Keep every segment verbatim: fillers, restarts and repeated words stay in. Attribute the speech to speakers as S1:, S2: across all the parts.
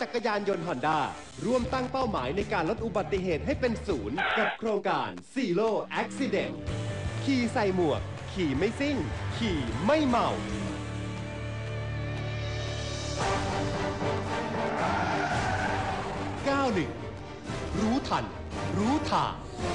S1: จักรยานยนต์ฮอนด้าร่วมตั้งเป้าหมายในการลดอุบัติเหตุให้เป็นศูนย์กับโครงการ Zero Accident ขี่ใส่หมวกขี่ไม่ซิ่งขี่ไม่เมาเก้าหนึ่งรู้ทันรู้ทาง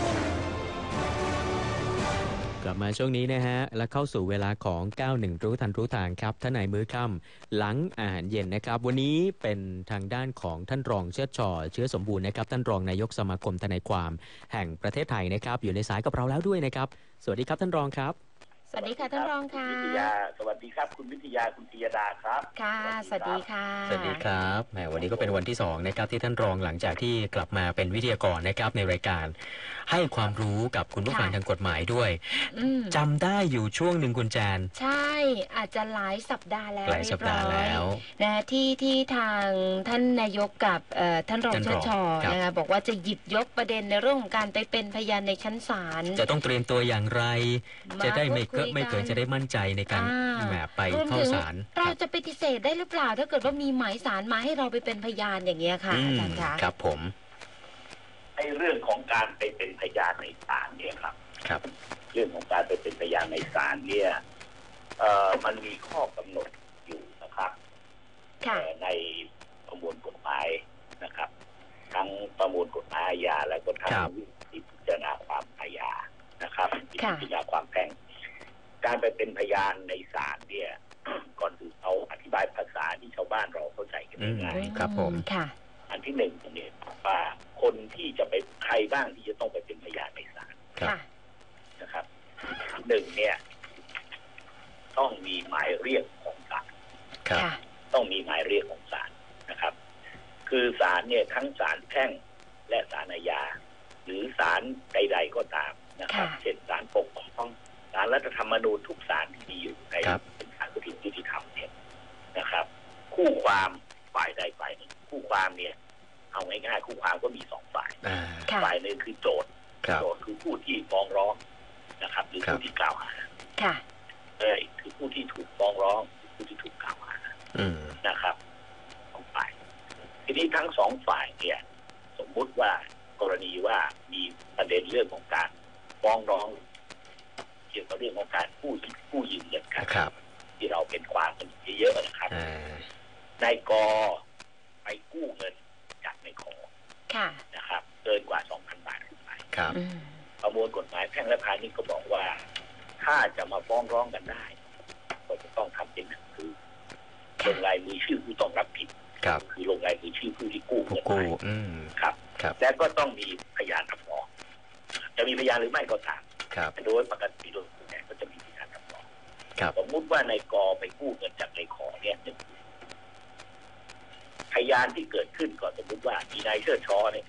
S2: กลับมาช่วงนี้นะฮะและเข้าสู่เวลาของเก้าสิบเอ็ดรู้ทันรู้ทางครับท่านนายมื้อค่ำหลังอาหารเย็นนะครับวันนี้เป็นทางด้านของท่านรองเชิดช่อเชื้อสมบูรณ์นะครับท่านรองนายกสมาคมทนายความแห่งประเทศไทยนะครับอยู่ในสายกับเราแล้วด้วยนะครับสวัสดีครับท่านรองครับ
S3: สวัสดีค่ะท่านรองค่ะ
S4: วิทยาสวัสดีครับคุณวิทยาคุณธียดาครับ
S3: ค่ะสวัสดีค่ะ
S2: สวัสดีครับแหมวันนี้ก็เป็นวันที่สองนะครับที่ท่านรองหลังจากที่กลับมาเป็นวิทยากรนะครับในรายการให้ความรู้กับคุณผู้ฟังทางกฎหมายด้วยจำได้อยู่ช่วงหนึ่งคุณแจน
S3: ใช่อาจจะหลายสัปดาห์แล้ว
S2: หลายสัปดาห์แล้ว
S3: นะที่ที่ทางท่านนายกกับท่านรองเชิดช่อนะคะบอกว่าจะหยิบยกประเด็นในเรื่องของการไปเป็นพยานในชั้นศาล
S2: จะต้องเตรียมตัวอย่างไรจะได้ไม่เกิดไม่เกิดจะได้มั่นใจในการแบบไปเข้าศาล
S3: เราจะปฏิเสธได้หรือเปล่าถ้าเกิดว่ามีหมายศาลมาให้เราไปเป็นพยานอย่างเงี้ยค่ะอาจารย์คะ
S2: ครับผม
S4: ไอ้เรื่องของการไปเป็นพยานในศาลเนี่ยครับ
S2: ครับ
S4: เรื่องของการไปเป็นพยานในศาลเนี่ยเอ่อมันมีข้อกำหนดอยู่นะครับในประมวลกฎหมายนะครับทั้งประมวลกฎหมายอาญาและก็ทั้งวิธีพิจารณาความอาญานะครับพิจารณาความแพ่งการไปเป็นพยานในศาลเนี่ยก่อนอื่นเอาอธิบายภาษาที่ชาวบ้านเราเข้าใจกันง่าย
S2: ครับผม
S3: ค่ะ
S4: อันที่หนึ่งตรงนี้ว่าคนที่จะไปใครบ้างที่จะต้องไปเป็นพยานในศาลนะครับหนึ่งเนี่ยต้องมีหมายเรียกของศาลต้องมีหมายเรียกของศาลนะครับคือศาลเนี่ยทั้งศาลแพ่งและศาลอาญาหรือศาลใดๆก็ตามนะครับเช่นศาลปกครองศาลรัฐธรรมนูญทุกศาลที่มีอยู่ในเป็นศาลยุติธรรมเนี่ยนะครับคู่ความฝ่ายใดฝ่ายหนึ่งคู่ความเนี่ยเอาง่ายๆคู่ความก็มีสองฝ่ายฝ่ายหนึ่งคือโจทย์โจทย์คือผู้ที่ฟ้องร้องนะครับหรือผู้ที่กล่าวหาเอ้ยคือผู้ที่ถูกฟ้องร้องผู้ที่ถูกกล่าวหานะครับสองฝ่ายทีนี้ทั้งสองฝ่ายเนี่ยสมมุติว่ากรณีว่ามีประเด็นเรื่องของการฟ้องร้องเกี่ยวกับเรื่องของการกู้กู้ยืมเงินกันที่เราเป็นความกันเยอะๆนะครับนายกไปกู้เงินจากนายขอนะครับเกินกว่า สองพัน บาทขึ้นไปประมวลกฎหมายแพ่งและพาณิชย์ก็บอกว่าถ้าจะมาฟ้องร้องกันได้ก็จะต้องทำเป็นหนังสือลงลายมือชื่อผู้ต้องรับผิดคือลงลายมือชื่อผู้ที่กู้เงินไปครับและก็ต้องมีพยานรับรองจะมีพยานหรือไม่ก็ตามโดยปกติโดยส่วนใหญ่ก็จะมีพยานรับรองสมมุติว่านายกไปกู้เงินจากนายขอเนี่ยพยานที่เกิดขึ้นก็สมมติว่ามีนายเชิดช้อเนี่ย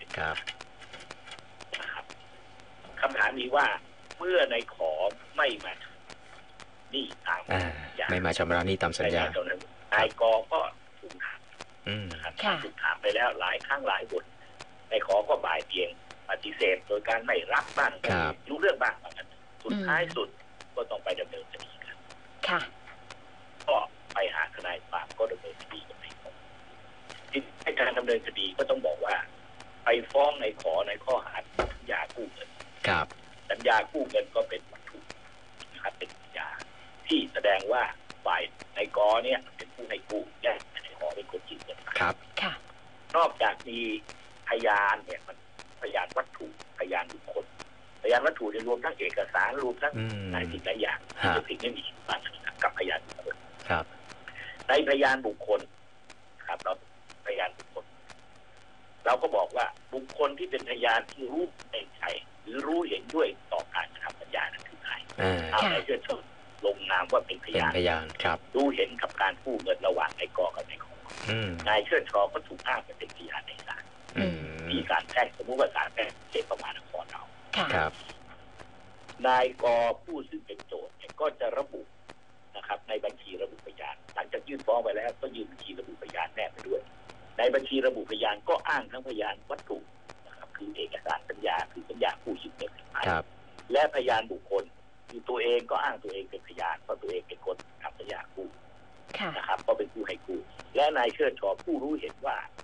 S4: นะครับคำถามนี้ว่าเมื่อนายขอไม่มานี่ตาม
S2: ไม่มาชำระหนี้ตามสัญญ
S4: านายกก็ถูกถามนะครับถูกถามไปแล้วหลายครั้งหลายบทนายขอก็บ่ายเบียงปฏิเสธโดยการไม่รับบ้างรู้เรื่องบ้างบางอันสุดท้ายสุดก็ต้องไปดำเนินคดีกันก็ไปหาทนายความก็ดำเนินคดีกันในการดำเนินคดีก็ต้องบอกว่าไปฟ้องในขอในข้อหาสัญญากู้เงินสัญญากู้เงินก็เป็นวัตถุนะครับเป็นสัญญาที่แสดงว่าฝ่ายในกอเนี่ยเป็นผู้ให้กู้และในขอเป็นคนยืมเงิน
S2: ครับ
S4: นอกจากมีพยานเนี่ยมันพยานวัตถุพยานบุคคลพยานวัตถุรวมทั้งเอกสารรวมทั้งหลายสิ่งหลายอย่างที่เป็นสิ่งไม่มีบางกับพยานบุคคลในพยานบุคคลครับเราพยานบุคคลเราก็บอกว่าบุคคลที่เป็นพยานที่รู้ในใจหรือรู้เห็นด้วยต่อการกระทำสัญญานั้นคือใครเอาในเชื่อชมลงนามว่าเป็นพยาน
S2: พยานครับ
S4: รู้เห็นกับการกู้เงินระหว่างนายกอกับนายขอนายเชิดชอก็ถูกอ้างเป็นพยานในศาลมีศาลแพ่งสมมติว่าศาลแพ่งเขตประมาณนครเรานายกอผู้ซึ่งเป็นโจทย์ก็จะระบุนะครับในบัญชีระบุพยานหลังจากยื่นฟ้องไปแล้วก็ยื่นบัญชีระบุพยานแนบไปด้วยในบัญชีระบุพยานก็อ้างทั้งพยานวัตถุนะครับคือเอกสารสัญญาคือสัญญากู้ยืมเงินและพยานบุคคลคือตัวเองก็อ้างตัวเองเป็นพยานเพราะตัวเองเป็นคนทำสัญญากู้นะครับก็เป็นผู้ให้กู้และนายเชิดชอผู้รู้เห็นว่า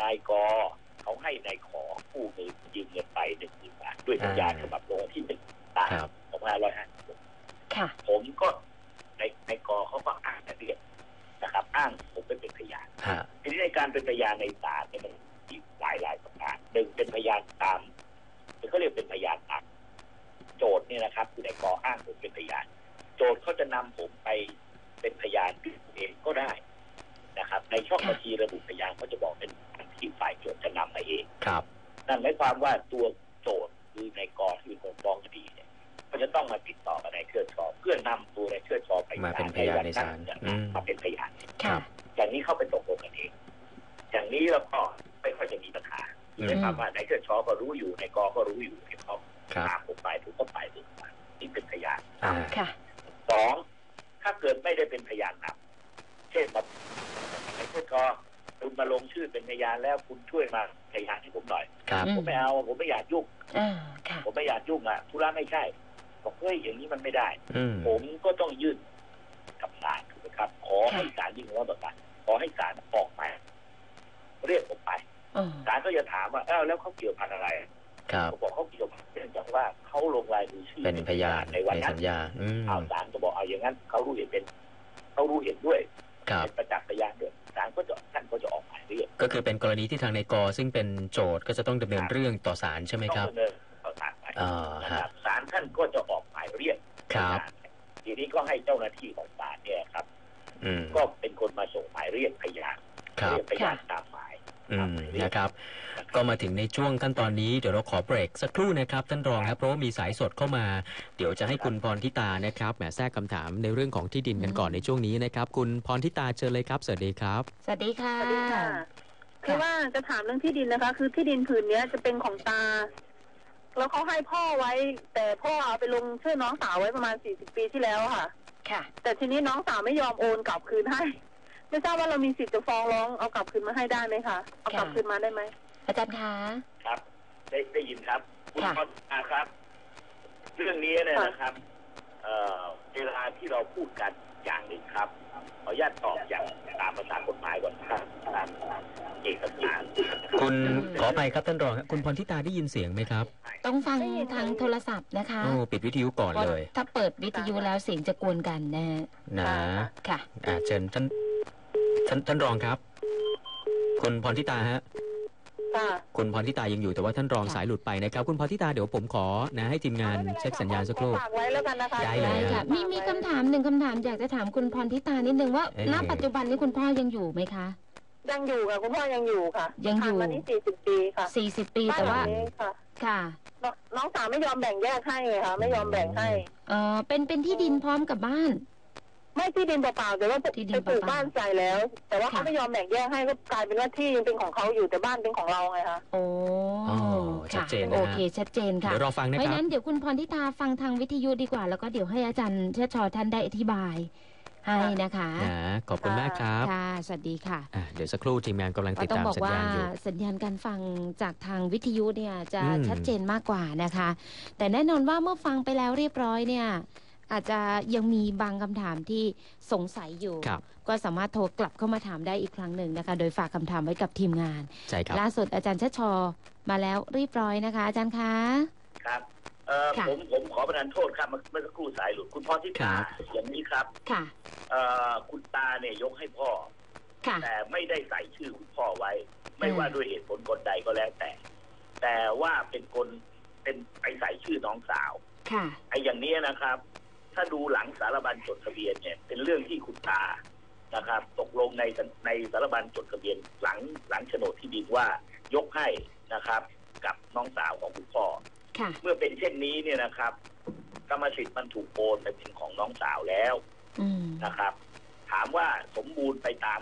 S4: นายกเขาให้นายขอกู้เงินยืมเงินไปหนึ่งหมื่นบาทด้วยสัญญาฉบับลงวันที่หนึ่งตาสองพันห้าร้อยห้าสิบหกผมก็ในในกอเขาก็อ้างแต่เรียกนะครับอ้างผมเป็นพยานทีนี้ในการเป็นพยานในศาลเนี่ยมันมีหลายหลายประการหนึ่งเป็นพยานตามเขาเรียกเป็นพยานตามโจทย์เนี่ยนะครับคือในกออ้างผมเป็นพยานโจทย์เขาจะนำผมไปเป็นพยานเองก็ได้นะครับในช่องบัญชีระบุพยานเขาจะบอกเป็นที่ฝ่ายโจทย์จะนำมาเอง
S2: ครับ
S4: นั่นหมายความว่าตัวโจทย์คือในกอที่เป็นคนฟ้องคดีเนี่ยเขาจะต้องมาติดต่อกับนายเชิดชอเพื่อนำตัวในเชิดชอไป
S2: มาเป็นพยานในศาล
S4: มาเป็นพยานอย่างนี้เข้าไปตกลงกันเองอย่างนี้เราก็ไม่ค่อยจะมีปัญหาหมายความว่านายเชิดชอก็รู้อยู่ในกอก็รู้อยู่ที่เขาตามผมไปถูกก็ไปถูกไปนี่เป็นพยานสองถ้าเกิดไม่ได้เป็นพยานนำเช่นแบบนายเชิดชอคุณมาลงชื่อเป็นพยานแล้วคุณช่วยมาพยานให้ผมหน่อยผมไม่เอาผมไม่อยากยุ่งผมไม่อยากยุ่งอ่ะธุระไม่ใช่บอกเฮ้ยอย่างนี้มันไม่ได้ผมก็ต้องยื่นกับศาลถูกไหมครับขอให้ศาลยื่นว่าแบบนั้นขอให้ศาลออกมาเรียกผมไปศาลก็จะถามว่าเอ้าแล้วเขาเกี่ยวพันอะไรผมบอกเขาเกี่ยวพันเนื่องจากว่าเขาลงรายมือชื่อ
S2: เป็นพยาน
S4: ในวันนั้นเอาศาลก็บอกเอาอย่างนั้นเขารู้เห็นเป็นเขารู้เห็นด้วยเป็นประจักษ์พยานด้วยศาลก็จะท่านก็จะออกหมายเรียก
S2: ก็คือเป็นกรณีที่ทางนายกซึ่งเป็นโจทย์ก็จะต้องดำเนินเรื่องต่อศาลใช่ไหมครับ
S4: ต้องดำเนินต่อศาลไปศาลท่านก็จะออกหมายเรียกทีนี้ก็ให้เจ้าหน้าที่ของศาลเนี่ยครับก็เป็นคนมาส่งหมายเรียกพยานเรียกพยานตามหมาย
S2: นะครับก็มาถึงในช่วงขั้นตอนนี้เดี๋ยวเราขอเบรกสักครู่นะครับท่านรองครับเพราะว่ามีสายสดเข้ามาเดี๋ยวจะให้คุณพรทิตานะครับแหมแทรกคำถามในเรื่องของที่ดินกันก่อนในช่วงนี้นะครับคุณพรทิตาเชิญเลยครับสวัสดีครับ
S3: สวัสดีค่ะ
S5: สวัสดีค่ะคือว่าจะถามเรื่องที่ดินนะคะคือที่ดินผืนนี้จะเป็นของตาแล้วเขาให้พ่อไว้แต่พ่อเอาไปลงชื่อน้องสาวไว้ประมาณสี่สิบปีที่แล้วค่ะ
S3: ค่ะ
S5: แต่ทีนี้น้องสาวไม่ยอมโอนกลับคืนให้ไม่ทราบว่าเรามีสิทธิ์จะฟ้องร้องเอากลับคืนมาให้ได้ไหมคะเอากลับคืนมาได้ไหม
S3: อาจารย์คะ
S4: ครับได้ได้ยินครับคุณพรครับเรื่องนี้เนี่ยนะครับเอ่อเวลาที่เราพูดกันอย่างหนึ่งครับขออนุญาตตอบอย่างตามภาษากฎหมายก่อนครับเอกสาร
S2: คุณขอไปครับท่านรองคุณพรทิตาได้ยินเสียงไหมครับ
S3: ต้องฟังทางโทรศัพท์นะคะ
S2: โอ้ปิดวิทยุก่อนเลย
S3: ถ้าเปิดวิทยุแล้วเสียงจะกวนกันนะ
S2: นะ
S3: ค่ะ
S2: อ่าเชิญท่านท่านท่านรองครับคุณพรทิตาฮะคุณพรทิตายังอยู่แต่ว่าท่านรองสายหลุดไปนะครับคุณพรทิตาเดี๋ยวผมขอนะให้ทีมงานเช็คสัญญาณสักครู่
S3: ได้เลยค่ะมีมีคำถามหนึ่งคำถามอยากจะถามคุณพรทิตานิดนึงว่าณปัจจุบันนี้คุณพ่อยังอยู่ไหมคะ
S5: ยังอยู่ค่ะคุณพ่อยังอยู่ค่ะ
S3: ยังอยู่
S5: มานี่สี่สิบปีค่ะ
S3: สี่สิบปีแต่ว่าค่ะ
S5: น้องสาวไม่ยอมแบ่งแยกให้เลยค่ะไม่ยอมแบ่งให้
S3: เออเป็นเป็นที่ดินพร้อมกับบ้าน
S5: ไม่ที่ดินเปล่าๆแต่ว่าไปปลูกบ้านใส่แล้วแต่ว่าเขาไม่ยอมแบ่งแยกให้ก็กลายเป็นว่าที่ยังเป็นของเขาอยู่แต่บ้านเป็นของเราไงคะ
S3: โอ้
S2: ชัดเจน
S3: โอเคชัดเจนค่ะ
S2: เดี๋ยวรอฟังนะครับเพ
S3: ราะฉะนั้นเดี๋ยวคุณพรทิตาฟังทางวิทยุดีกว่าแล้วก็เดี๋ยวให้อาจารย์เชิดชอท่านได้อธิบายให้นะคะ
S2: ขอบคุณมากครับ
S3: ค่ะสวัสดีค่ะ
S2: เดี๋ยวสักครู่ทีมงานกำลังติดตามสัญญาณอยู่
S3: สัญญาณการฟังจากทางวิทยุเนี่ยจะชัดเจนมากกว่านะคะแต่แน่นอนว่าเมื่อฟังไปแล้วเรียบร้อยเนี่ยอาจจะยังมีบางคำถามที่สงสัยอยู่ก็สามารถโทรกลับเข้ามาถามได้อีกครั้งหนึ่งนะคะโดยฝากคำถามไว้กับทีมงาน
S2: ใช่ครับ
S3: ล่าสุดอาจารย์ชัชชอมาแล้วเรียบร้อยนะคะอาจารย์คะ
S4: ครับเอ่อผมผมขอประทานโทษครับเมื่อสักครู่สายหลุดคุณพ่อที่ตาอย่างนี้ครับ
S3: ค่ะ
S4: เอ่อคุณตาเนี่ยยกให้พ่อแต่ไม่ได้ใส่ชื่อคุณพ่อไว้ไม่ว่าด้วยเหตุผลกลใดก็แล้วแต่แต่ว่าเป็นคนเป็นไปใส่ชื่อน้องสาว
S3: ค่ะ
S4: ไอ้อย่างนี้นะครับถ้าดูหลังสารบัญจดทะเบียนเนี่ยเป็นเรื่องที่คุณตานะครับตกลงในในสารบัญจดทะเบียนหลังหลังโฉนดที่ดินว่ายกให้นะครับกับน้องสาวของคุณพ่อเมื่อเป็นเช่นนี้เนี่ยนะครับกรรมสิทธิ์มันถูกโอนไปเป็นของน้องสาวแล้วนะครับ ถามว่าสมบูรณ์ไปตาม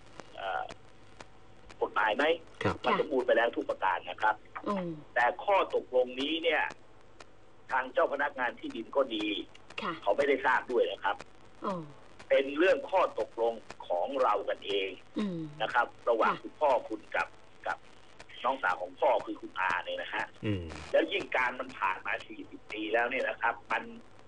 S4: กฎหมายไหมมันสมบูรณ์ไปแล้วทุกประการนะครับแต่ข้อตกลงนี้เนี่ยทางเจ้าพนักงานที่ดินก็ดีเขาไม่ได้ทราบด้วยนะครับเป็นเรื่องข้อตกลงของเรากันเองนะครับระหว่างคุณพ่อคุณกับกับน้องสาวของพ่อคือคุณอาเนี่ยนะฮะแล้วยิ่งการมันผ่านมาสี่สิบปีแล้วเนี่ยนะครับมัน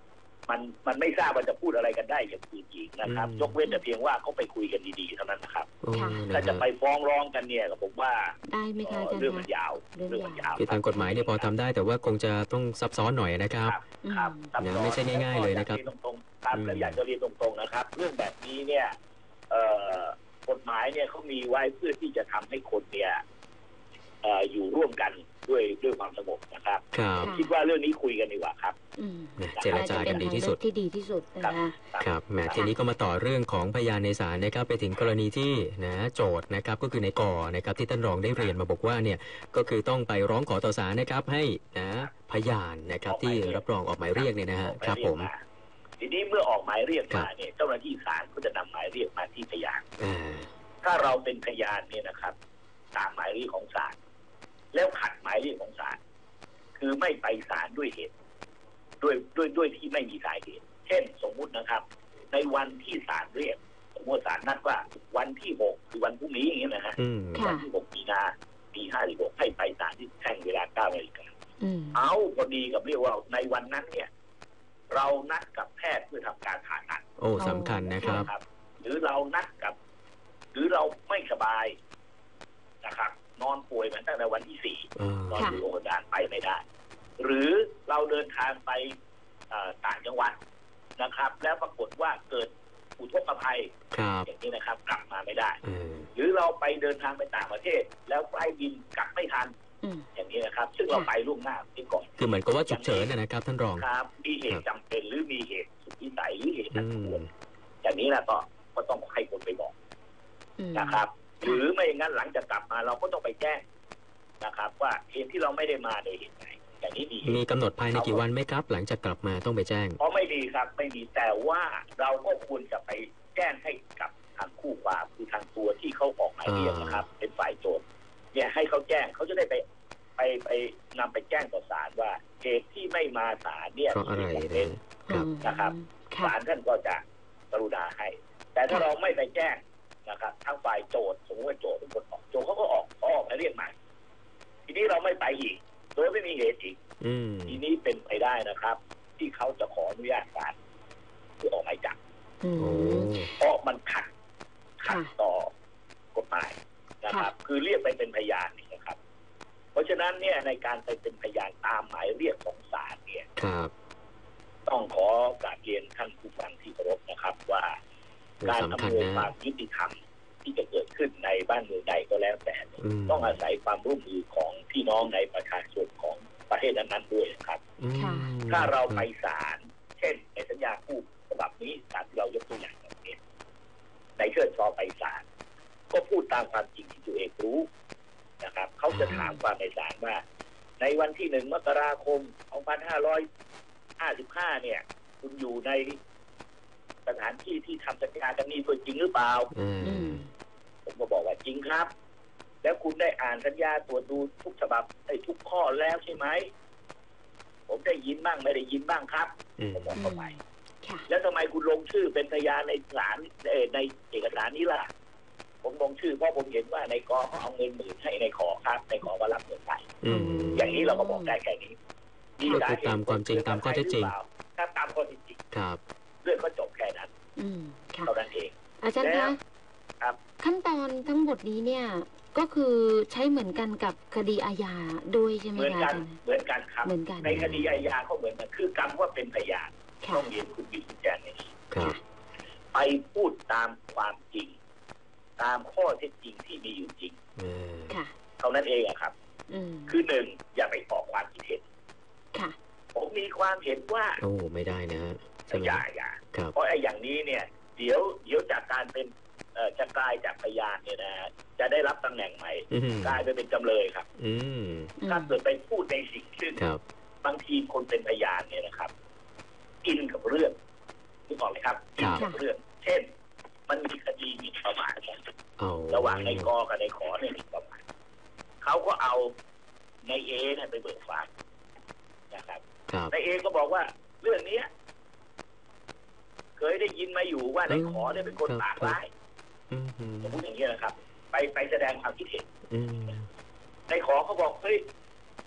S4: มันมันไม่ทราบว่าจะพูดอะไรกันได้อย่างอื่นอีกนะครับยกเว้นแต่เพียงว่าเขาไปคุยกันดีๆเท่านั้นนะครับถ้าจะไปฟ้องร้องกันเนี่ยผมว่า
S3: ได้ไหมคะอาจารย์
S4: เรื่องมันยาวเรื่องมันยาว
S2: คือทางกฎหมายเนี่ยพอทำได้แต่ว่าคงจะต้องซับซ้อนหน่อยนะครับ
S4: ครับ
S2: นะไม่ใช่ง่ายๆเลยนะครับ
S4: ตรงๆครับแล้วอยากจะเรียนตรงๆนะครับเรื่องแบบนี้เนี่ยกฎหมายเนี่ยเขามีไว้เพื่อที่จะทำให้คนเนี่ยอยู่ร่วมกันด้วยด้วยความสงบนะครับคิดว่าเรื่องนี้คุยกันดีกว่าครับ
S2: เจรจากันดีที่สุด
S3: ที่ดีที่สุดนะคะ
S2: ครับแหมทีนี้ก็มาต่อเรื่องของพยานในศาลนะครับไปถึงกรณีที่นะโจทย์นะครับก็คือในกอนะครับที่ท่านรองได้เรียนมาบอกว่าเนี่ยก็คือต้องไปร้องขอต่อศาลนะครับให้นะพยานนะครับที่รับรองออกหมายเรียกเนี่ยนะฮะครับผม
S4: ทีนี้เมื่อออกหมายเรียกมาเนี่ยเจ้าหน้าที่ศาลก็จะนำหมายเรียกมาที่พยานถ้าเราเป็นพยานเนี่ยนะครับตามหมายเรียกของศาลแล้วขัดหมายเรียกของศาลคือไม่ไปศาลด้วยเหตุด้วยด้วยด้วยที่ไม่มีสาเหตุเช่นสมมุตินะครับในวันที่ศาลเรียกสมมติศาลนัดว่าวันที่หกคือวันพรุ่งนี้อย่างเงี้ยนะฮะวันที่หกมีนาปีห้าสิบหกให้ไปศาลที่แท่งเวลาเก้านาฬิกาเอาพอดีกับเรียกว่าในวันนั้นเนี่ยเรานัดกับแพทย์เพื่อทำการผ่าตัด
S2: โอ้สำคัญนะครับ
S4: หรือเรานัดกับหรือเราไม่สบายนะครับนอนป่วยมาตั้งแต่วันที่สี่นอนอยู่โรงพยาบาลไปไม่ได้หรือเราเดินทางไปต่างจังหวัดนะครับแล้วปรากฏว่าเกิดอุทกภัยอย่างนี้นะครับกลับมาไม่ได้หรือเราไปเดินทางไปต่างประเทศแล้วไฟล์บินกลับไม่ทันอย่างนี้นะครับซึ่งเราไปล่วงหน้าที่ก่อน
S2: คือเหมือนกับว่าฉุกเฉินนะครับท่านรอง
S4: ครับมีเหตุจำเป็นหรือมีเหตุสุดวิสัยหรือเหตุอันควรอย่างนี้นะก็ก็ต้องให้คนไปบอกนะครับหรือไม่อย่างนั้นหลังจากกลับมาเราก็ต้องไปแจ้งนะครับว่าเหตุที่เราไม่ได้มาโดยเหตุไหนอย่างนี้ดี
S2: มีกำหนดภายในกี่วันไหมครับหลังจากกลับมาต้องไปแจ้ง
S4: เพราะไม่ดีครับไม่มีแต่ว่าเราก็ควรจะไปแจ้งให้กับทางคู่ความคือทางตัวที่เขาออกหมายเรียกนะครับเป็นฝ่ายโจทย์เนี่ยให้เขาแจ้งเขาจะได้ไปไปไปนำไปแจ้งต่อศาลว่าเหตุที่ไม่มาศาลเนี่ย
S2: มีเหตุ
S4: เป็นนะครับศาลท่านก็จะกรุณาให้แต่ถ้าเราไม่ไปแจ้งนะครับทางฝ่ายโจทย์สมมติว่าโจทย์เป็นคนออกโจทย์เขาก็ออกออกหมายเรียกมาทีนี้เราไม่ไปอีกโดยไม่มีเหตุอีกทีนี้เป็นไปได้นะครับที่เขาจะขออนุญาตศาลเพื่อออกหมายจับเพราะมันขัดขัดต่อกฎหมายนะครับคือเรียกไปเป็นพยานนี่นะครับเพราะฉะนั้นเนี่ยในการไปเป็นพยานตามหมายเรียกของศาลเนี่ยต้องขอกราบเรียนท่านผู้ฟังที่เคารพนะครับว่าการอำนวยความยุติธรรมที่จะเกิดขึ้นในบ้านเมืองใดก็แล้วแต่ต้องอาศัยความร่วมมือของพี่น้องในประชาชนของประเทศนั้นๆด้วยครับถ้าเราไปศาลเช่นในสัญญาคู่ฉบับนี้ศาลที่เรายกตัวอย่างแบบนี้ในเชิญชอไปศาลก็พูดตามความจริงที่ตัวเองรู้นะครับเขาจะถามความในศาลว่าในวันที่หนึ่งมกราคมสองพันห้าร้อยห้าสิบห้าเนี่ยคุณอยู่ในสถานที่ที่ทำสัญญากันนี้ตัวจริงหรือเปล่าผมก็บอกว่าจริงครับแล้วคุณได้อ่านสัญญาตรวจดูทุกฉบับได้ทุกข้อแล้วใช่ไหมผมได้ยินบ้างไม่ได้ยินบ้างครับผมบอกเข้าไปแล้วทำไมคุณลงชื่อเป็นพยานในศาลในเอกสารนี้ล่ะผมลงชื่อเพราะผมเห็นว่าในกอเขาเอาเงินหมื่นให้ในขอครับในขอว่ารับเงินไปอย่างนี้เราก็บอกได้แค่นี้
S2: ก็คือตามความจริงตามข้อเท็จจริง
S4: ถ้าตามข้อเท็จจริง
S2: ครับ
S4: เรื่องก็จบแค่นั้นเท่านั้นเอง
S3: อาจารย์คะ
S4: ครับ
S3: ขั้นตอนทั้งหมดนี้เนี่ยก็คือใช้เหมือนกันกับคดีอาญาด้วยใช่ไหมคะเหมือนกัน
S4: เหมือนกันครับในคดีอาญาเขาเหมือนกันคือกรรมว่าเป็นพยานต้องเรียนคุณวิจิตรแจ้งนี้ไปพูดตามความจริงตามข้อเท็จจริงที่มีอยู่จริงเท่านั้นเองอะครับคือหนึ่งอย่าไปออกความคิดเห็นผมมีความเห็นว่า
S2: โอ้ไม่ได้นะ
S4: อย่าอย่าเพราะไอ้อย่างนี้เนี่ยเดี๋ยวเดี๋ยวจากการเป็นจะกลายจากพยานเนี่ยนะจะได้รับตำแหน่งใหม่กลายไปเป็นจำเลยครับถ้าเกิดไปพูดในสิ่งซึ่งบางทีคนเป็นพยานเนี่ยนะครับกินกับเรื่องนึกออกไหมครับกินกับเรื่องเช่นมันมีคดีมีประมาทกันระหว่างในกอกับในขอเนี่ยมีประมาทเขาก็เอาในเอเนี่ยไปเบิกความนะครับในเอก็บอกว่าเรื่องนี้เคยได้ยินมาอยู่ว่าในขอเนี่ยเป็นคนปากร้ายผมพูดอย่างนี้นะครับไปไปแสดงความคิดเห็นในขอเขาบอกเฮ้ย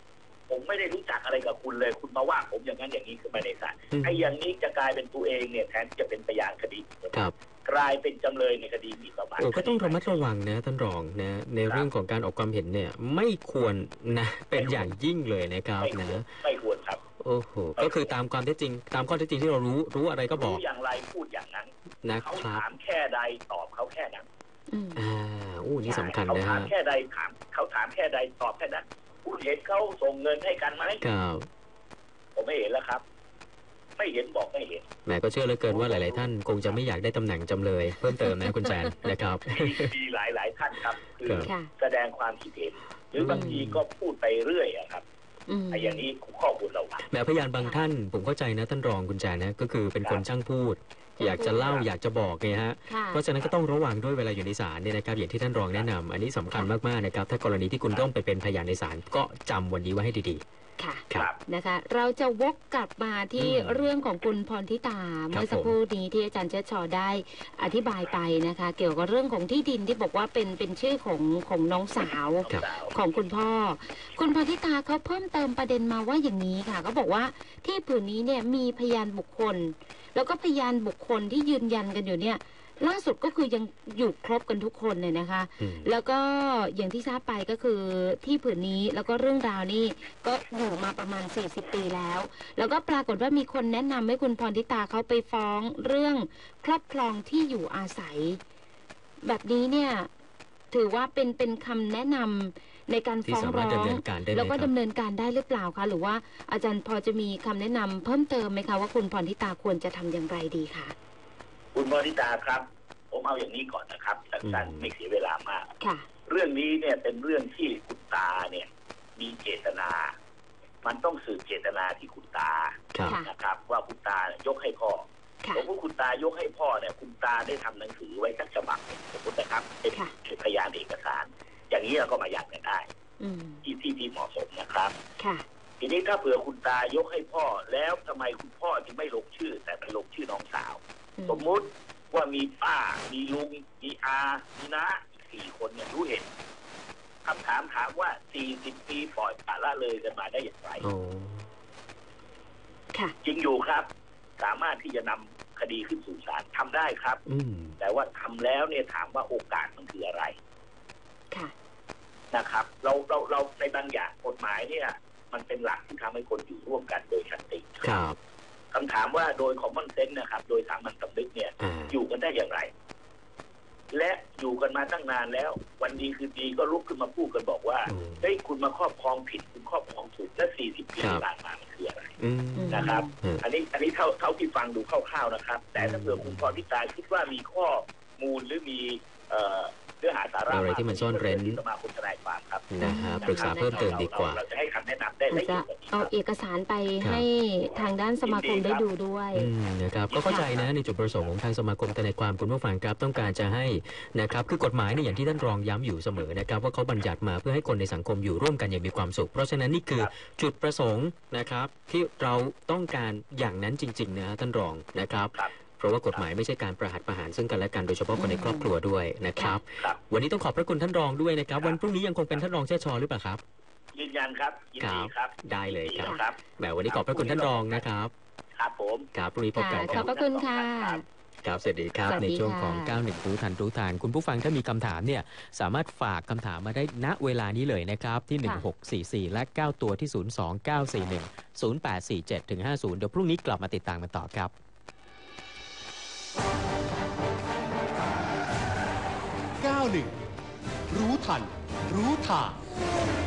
S4: ผมไม่ได้รู้จักอะไรกับคุณเลยคุณมาว่าผมอย่างนั้นอย่างนี้ขึ้นมาในศาลไอ้อย่างนี้จะกลายเป็นตัวเองเนี่ยแทนที่จะเป็นพยานคดีกลายเป็นจำเลยในคดีหมิ่นประมาท
S2: ก็ต้องระมัดระวังนะท่านรองนะในเรื่องของการออกความเห็นเนี่ยไม่ควรนะเป็นอย่างยิ่งเลยนะครับนะ
S4: ไม่ควรครับ
S2: โอ้โหก็คือตามความเท็จจริงตามข้อเท็จจริงที่เรารู้รู้อะไรก็บอก
S4: รู้อย่างไรพูดอย่างนั้น
S2: นะ
S4: เขาถามแค่ใดตอบเขาแค่นั้น
S2: อ่าอู้นี่สำคัญนะฮะ
S4: เขาถามแค่ใดถามเขาถามแค่ใดตอบแค่นั้นคุณเห็นเขาส่งเงินให้กันไหม
S2: ครับ
S4: ผมไม่เห็นแล้วครับไม่เห็นบอกไม่เห็น
S2: แหมก็เชื่อเหลือเกินว่าหลายๆท่านคงจะไม่อยากได้ตำแหน่งจำเลยเพิ่มเติมนะคุณแซนนะครับ
S4: มีหลายๆท่านครับคือแสดงความคิดเห็นหรือบางทีก็พูดไปเรื่อยครับไอ้อย่างนี้ข้อมูลเรา
S2: แหมพยานบางท่านผมเข้าใจนะท่านรองคุณแซนนะก็คือเป็นคนช่างพูดอยากจะเล่าอยากจะบอกไงฮะเพราะฉะนั้นก็ต้องระวังด้วยเวลาอยู่ในศาลเนี่ยนะครับอย่างที่ท่านรองแนะนำอันนี้สำคัญมากๆนะครับถ้ากรณีที่คุณต้องไปเป็นพยานในศาลก็จำวันนี้ไว้ให้ดี
S3: ๆค่ะนะคะเราจะวกกลับมาที่เรื่องของคุณพรทิตาเมื่อสักครู่นี้ที่อาจารย์เชิดชอได้อธิบายไปนะคะเกี่ยวกับเรื่องของที่ดินที่บอกว่าเป็นเป็นชื่อของของน้องสาวของคุณพ่อคุณพรทิตาเขาเพิ่มเติมประเด็นมาว่าอย่างนี้ค่ะเขาบอกว่าที่ผืนนี้เนี่ยมีพยานบุคคลแล้วก็พยานบุคคลที่ยืนยันกันอยู่เนี่ยล่าสุดก็คือยังอยู่ครบกันทุกคนเลยนะคะแล้วก็อย่างที่ทราบไปก็คือที่ผืนนี้แล้วก็เรื่องราวนี้ก็อยู่มาประมาณสี่สิบปีแล้วแล้วก็ปรากฏว่ามีคนแนะนำให้คุณพรทิตาเขาไปฟ้องเรื่องครอบครองที่อยู่อาศัยแบบนี้เนี่ยถือว่าเป็นเป็นคำแนะนำในการฟ้องร้องแล้วก็ดำเนินการได้หรือเปล่าคะหรือว่าอาจารย์พอจะมีคำแนะนำเพิ่มเติมไหมคะว่าคุณพรทิตาควรจะทำอย่างไรดีคะ
S4: คุณพรทิตาครับผมเอาอย่างนี้ก่อนนะครับสั้นๆไม่เสียเวลามากเรื่องนี้เนี่ยเป็นเรื่องที่คุณตาเนี่ยมีเจตนามันต้องสืบเจตนาที่คุณตานะครับว่าคุณตายกให้พ่อผมว่าคุณตายกให้พ่อเนี่ยคุณตาได้ทำหนังสือไว้สักฉบับสมมตินะครับเป็นพยานเอกสารอย่างนี้เราก็มายันกันได้ที่ที่ที่เหมาะสมนะครับทีนี้ถ้าเผื่อคุณตายกให้พ่อแล้วทำไมคุณพ่อจึงไม่ลงชื่อแต่ไปลงชื่อน้องสาวสมมุติว่ามีป้ามีลุงมีอามีน้าสี่คนเนี่ยรู้เห็นคำถามถามว่าสี่สิบปีปล่อยปละละเลยกันมาได้อย่างไรจริงอยู่ครับสามารถที่จะนำคดีขึ้นสู่ศาลทำได้ครับแต่ว่าทำแล้วเนี่ยถามว่าโอกาสมันคืออะไรนะครับเราเราเราในบางอย่างกฎหมายเนี่ยมันเป็นหลักที่ทำให้คนอยู่ร่วมกันโดยสันติ
S2: ครับ
S4: คำถามว่าโดยคอมมอนเซนส์นะครับโดยสามัญสำนึกเนี่ยอยู่กันได้อย่างไรและอยู่กันมาตั้งนานแล้ววันดีคือดีก็ลุกขึ้นมาพูดกันบอกว่าเฮ้ยคุณมาครอบครองผิดคุณครอบครองถูกและสี่สิบปีที่ผ่านมามันคืออะไรนะครับอันนี้อันนี้เท่าเท่าที่ฟังดูคร่าวๆนะครับแต่ถ้าเผื่อคุณพรทิตาคิดว่ามีข้อมูลหรือมีเอ่อเนื้อหาสาระ
S2: อะไรที่มันซ่อนเร้น
S4: สมาคมทนายความครับ
S2: นะฮะปรึกษาเพิ่มเติมดีกว่า
S4: เราจะให้คำแนะนำได้ละเอียดกว่านี้
S3: เอาเอกสารไปให้ทางด้านสมาคมได้ดูด้วย
S2: นะครับก็เข้าใจนะในจุดประสงค์ของทางสมาคมทนายความคุณผู้ฟังครับต้องการจะให้นะครับคือกฎหมายเนี่ยอย่างที่ท่านรองย้ำอยู่เสมอนะครับว่าเขาบัญญัติมาเพื่อให้คนในสังคมอยู่ร่วมกันอย่างมีความสุขเพราะฉะนั้นนี่คือจุดประสงค์นะครับที่เราต้องการอย่างนั้นจริงๆนะท่านรองนะครับเพราะว่ากฎหมายไม่ใช่การประหัตประหารซึ่งกันและกันโดยเฉพาะคนในครอบครัวด้วยนะครับวันนี้ต้องขอบพระคุณท่านรองด้วยนะครับวันพรุ่งนี้ยังคงเป็นท่านรองเชิดชอหรือเปล่าครับ
S4: ยืนยันครับยินดีครับ
S2: ได้เลยครับแบบวันนี้ขอบพระคุณท่านรองนะครับ
S4: ครับผม
S2: ครับพรุ่งนี้พบกัน
S3: ขอบพระคุณค่ะ
S2: ครับสวัสดีครับในช่วงของเก้าสิบเอ็ดรู้ทันรู้ทางคุณผู้ฟังถ้ามีคำถามเนี่ยสามารถฝากคำถามมาได้ณเวลานี้เลยนะครับที่หนึ่งหกสี่สี่และเก้าตัวที่ศูนย์ สอง เก้า สี่ หนึ่ง ศูนย์ แปด สี่ เจ็ด ถึง ห้า ศูนย์เดี๋ยวพรุ่งนี้กลับมาติดตามกันต่อครับ
S1: เก้าสิบเอ็ดรู้ทันรู้ทาง